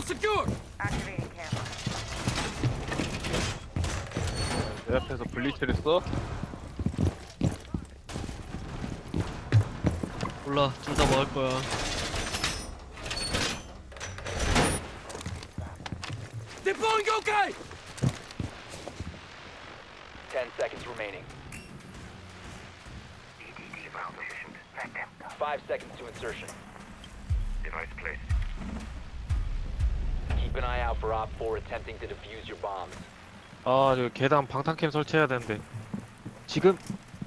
내 앞에서 블리츠를 써? 몰라, 둘 다 먹을 거야. Deploying OK! 10 seconds remaining. 5 seconds to insertion. Device placed. Keep an eye out for Op 4 attempting to defuse your bombs. 아, 저 계단 방탄캠 설치해야 되는데. 지금?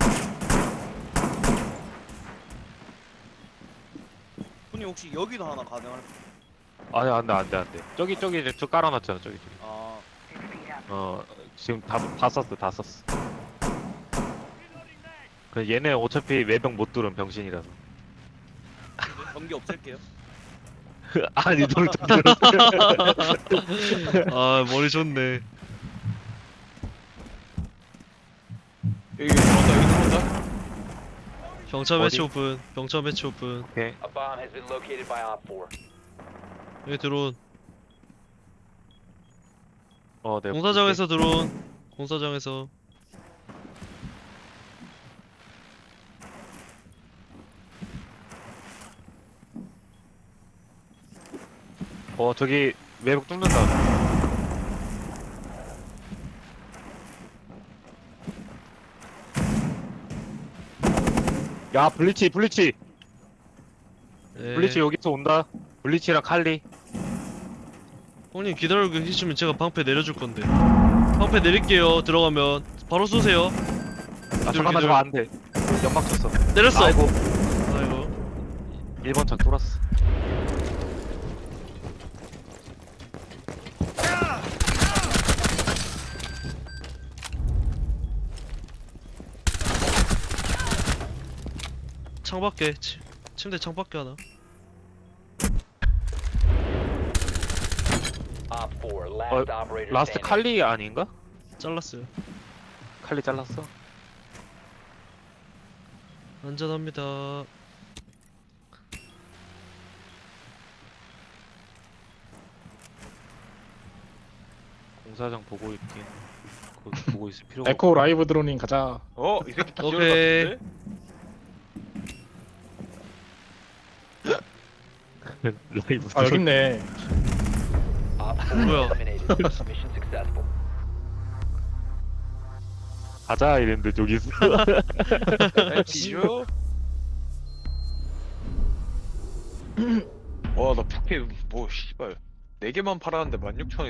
형님 혹시 여기도 하나 가능할? 아니, 안 돼. 저기 이제 저 깔아놨잖아, 저기. 아 지금 다 썼어. 그 얘네 어차피 외벽 못 뚫은 병신이라서. 전기 없앨게요. 아니, 널 아, 머리 좋네. 여기 들어온다. 경차 어디? 매치 오픈. 경차 매치 오픈. 오케이. A bomb has been located by Op 4. 여기 드론. 네. 공사장에서 드론. 공사장에서. 저기 외벽 뚫는다. 야, 블리치. 네. 블리치 여기서 온다. 블리치랑 칼리. 형님 기다리고 계시면 제가 방패 내려줄 건데. 방패 내릴게요. 들어가면 바로 쏘세요. 잠깐만, 저거 안 돼. 연막 쳤어. 내렸어. 아이고. 아이고. 1번 창 뚫었어. 창밖에. 침대 창밖에 하나. Op 4, last operator 라스트 standing. 칼리 아닌가? 잘랐어요. 칼리 잘랐어. 안전합니다. 공사장 보고 있긴. 거기 보고 있을 필요가 에코 라이브 드로닝 가자. 이 새끼 기절 오케이. 같은데? 라이브. 아 여기 있네. Op 4 뭐야? eliminated. Mission successful. 가자 이랬는데 저기 있어. 뒤져? 와, 나 부캐, 씨발. 4개만 팔았는데 16,000원